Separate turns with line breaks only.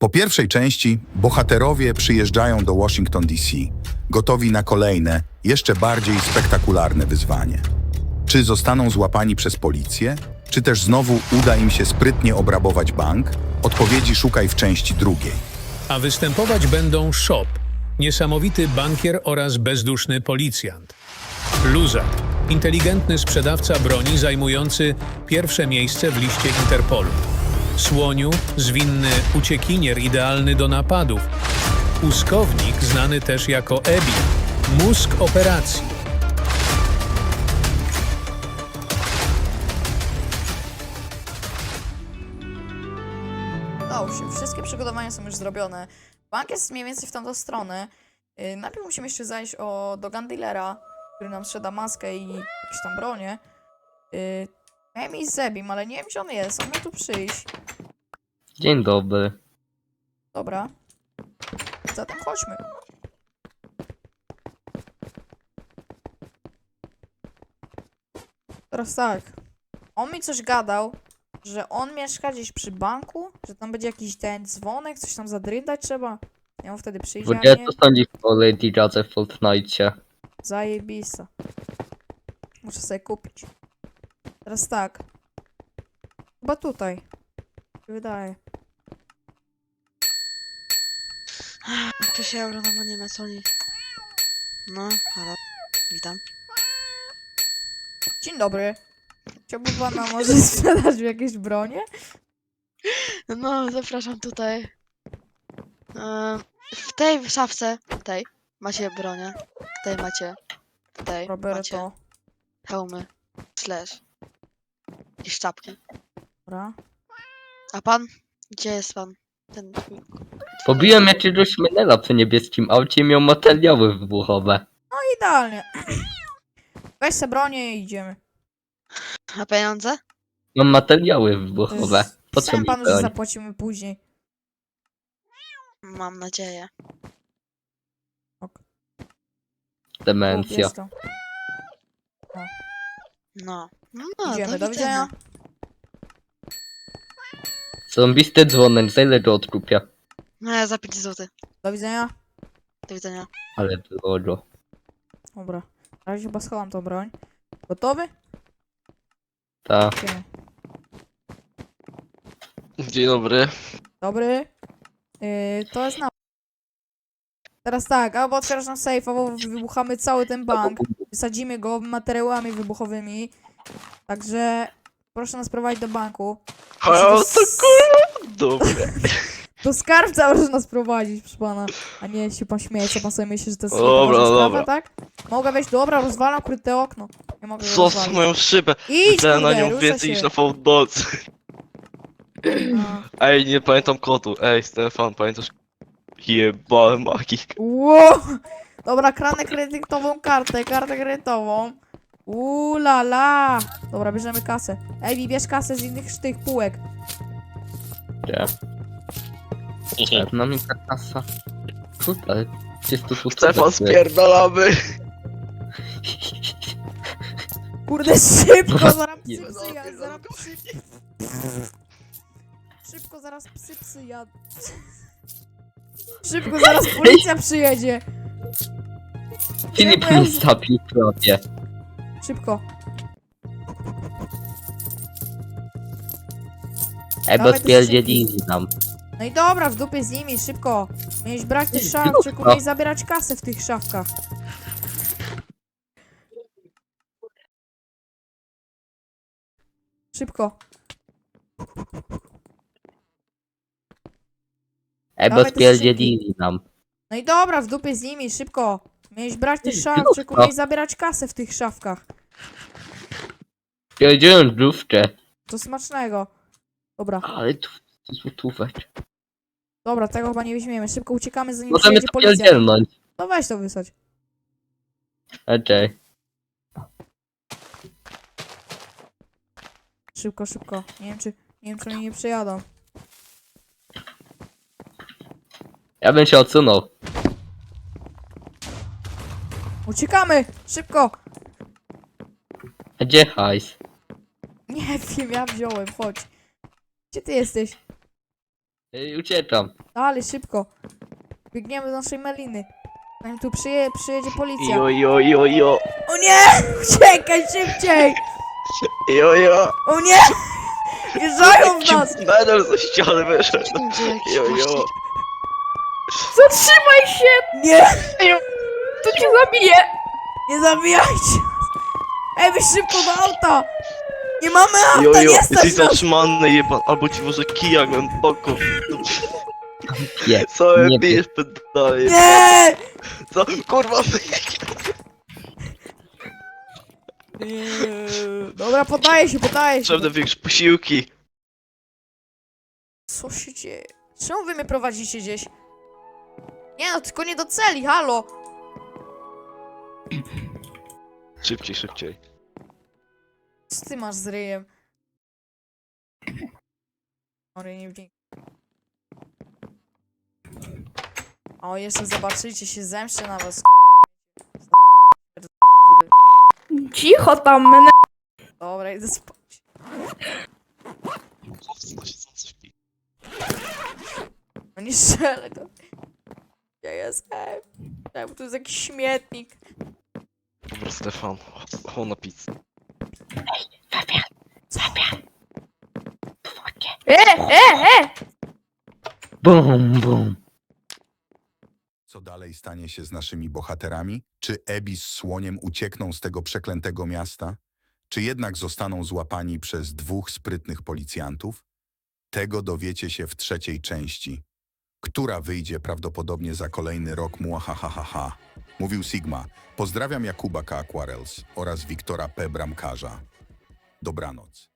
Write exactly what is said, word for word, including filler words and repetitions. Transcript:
Po pierwszej części bohaterowie przyjeżdżają do Washington D C, gotowi na kolejne, jeszcze bardziej spektakularne wyzwanie. Czy zostaną złapani przez policję, czy też znowu uda im się sprytnie obrabować bank? Odpowiedzi szukaj w części drugiej.
A występować będą Shop, niesamowity bankier oraz bezduszny policjant. Luzak, inteligentny sprzedawca broni zajmujący pierwsze miejsce w liście Interpolu. Słoniu, zwinny uciekinier idealny do napadów. Puskownik, znany też jako Ebi, mózg operacji.
Udało się. Wszystkie przygotowania są już zrobione. Bank jest mniej więcej w tamtą stronę. Yy, najpierw musimy jeszcze zajść o, do gun dealera, który nam sprzeda maskę i jakieś tam bronie. Yy, miałem iść z Zebim, ale nie wiem, gdzie on jest. On miał tu przyjść.
Dzień dobry.
Dobra. Zatem chodźmy. Teraz tak. On mi coś gadał, że on mieszka gdzieś przy banku, że tam będzie jakiś ten dzwonek, coś tam zadrydać trzeba. Ja mu wtedy przyjdzie, a
Wodzie
nie?
to sądzisz o Lady Radze w Fortnite?
Zajebista. Muszę sobie kupić. Teraz tak. Chyba tutaj. Mi się wydaje.
Cześć, Euro, no bo nie ma co oni. No, halo, witam.
Dzień dobry. Chciałby pana może sprzedać mi jakieś bronie?
No, zapraszam tutaj. E, w tej szafce, tej, macie bronię. Tej macie, tej macie
Roberto.
hełmy, slash i szczapki.
Dobra.
A pan? Gdzie jest pan? Ten twój...
Pobiłem jakiegoś menela przy niebieskim aucie i miał materiały wybuchowe.
Idealnie. Weź se bronię i idziemy.
A pieniądze?
Mam materiały wybuchowe. Po co
Pisałem
mi
panu, że
broń?
zapłacimy później.
Mam nadzieję.
Demencja.
Jest to.
No. No,
Idziemy,
do
do widzenia.
Zarąbisty dzwonek, za ile go odkupię?
No, ja za pięć złotych.
Do widzenia.
Do widzenia.
Ale drogo.
Dobra. Na razie chyba schowam tą broń. Gotowy?
Ta.
Idziemy.
Dzień dobry.
Dobry. Yy, to jest na... Teraz tak, albo otwierasz nam safe, albo wybuchamy cały ten bank. Wysadzimy go materiałami wybuchowymi. Także proszę nas prowadzić do banku.
O, to
s-
kurwa, dobre.
Do skarbca może nas prowadzić, proszę pana. A nie się pan śmieje, co pan sobie myśli, że to jest
Dobra,
poważna sprawa,
dobra.
tak? Mogę wejść, dobra, rozwalam ukryte okno. Nie mogę go
Co z
rozwalić.
moją szybę?
Idź,
Widziałem na
kurde,
nią
rusza
więcej
się.
niż na Fałdocy.
A.
Ej, nie pamiętam kodu. Ej, Stefan, pamiętasz? Jebałem magik.
Wow! Dobra, kradnę kredytową kartę, kartę kredytową. Uuu la la! Dobra, bierzemy kasę. Ej, bierz kasę z innych z tych półek.
Gdzie? Pewna mi ta kasa. Tutaj. Jest to tu
Stefan, spierdalamy.
Kurde, szybko, zaraz psy
Nie.
psy jad, zaraz psy... Szybko, zaraz psy psy jad. Szybko, zaraz policja przyjedzie.
Filip
Czemu ja-
mi zabił prawie.
Szybko.
Ej, bo
Dawaj, to
spierdzielili nam.
No i dobra, w dupie z nimi, szybko. Miałeś brać tych szaf,
Lufka.
tylko miałeś zabierać kasę w tych szafkach. Szybko.
Ej, bo
Dawaj te
spierdzielili nam.
No i dobra, w dupie z nimi, szybko. Miałeś brać tych szaf,
Lufka.
tylko miałeś zabierać kasę w tych szafkach.
Spierdzielą główkę.
To smacznego. Dobra,
Ale tu złotówek.
dobra, tego chyba nie weźmiemy. Szybko uciekamy, zanim
Możemy
przyjedzie
to
policja.
pierdzielnąć.
No weź to wysać.
Okej.
Szybko, szybko. Nie wiem czy, nie wiem czy oni nie przyjadą.
Ja bym się odsunął.
Uciekamy! Szybko!
A gdzie hajs?
Nie wiem, ja wziąłem, chodź. Gdzie ty jesteś?
Ej, uciekam.
Dalej, szybko. Biegniemy do naszej Meliny. Zanim tu przyje, przyjedzie policja.
Jo, jo, jo, jo.
O nie! Uciekaj szybciej!
Jo, jo.
O nie! Wjeżdżają w nas!
Medal ze ściany wyszedł.
Gdzie jakiś
Jo,
gość?
jo.
Zatrzymaj się!
Nie!
To cię zabiję!
Nie zabijajcie! Ej, wy szybko do auta! Nie mamy auta,
Jo, jo.
nie stać
Jesteś
nas!
zatrzymany, jeban. Albo ci może kija głęboko.
Nie,
Co
nie
bijesz pedale?
Nie!
Co? Kurwa.
Nie. Dobra, podaję się, podaję się.
Potrzebne większe posiłki.
Co się dzieje? Czemu wy mnie prowadzicie gdzieś? Nie no, tylko nie do celi, halo!
Szybciej, szybciej.
Co ty masz z ryjem? O, ryj nie wdzięk. O, jeszcze zobaczycie, się zemszczę na was.
Cicho tam, mene...
Dobra, idę spać. No nie strzelę go. Ja jestem. Czemu tu jest jakiś śmietnik?
Dobra, Stefan. O, na pizzę.
E, e, e!
Bum, bum.
Co dalej stanie się z naszymi bohaterami? Czy Ebi z słoniem uciekną z tego przeklętego miasta? Czy jednak zostaną złapani przez dwóch sprytnych policjantów? Tego dowiecie się w trzeciej części, która wyjdzie prawdopodobnie za kolejny rok. Muahahaha. Mówił Sigma. Pozdrawiam Jakuba K. Aquarels oraz Wiktora P. Bramkarza. Dobranoc.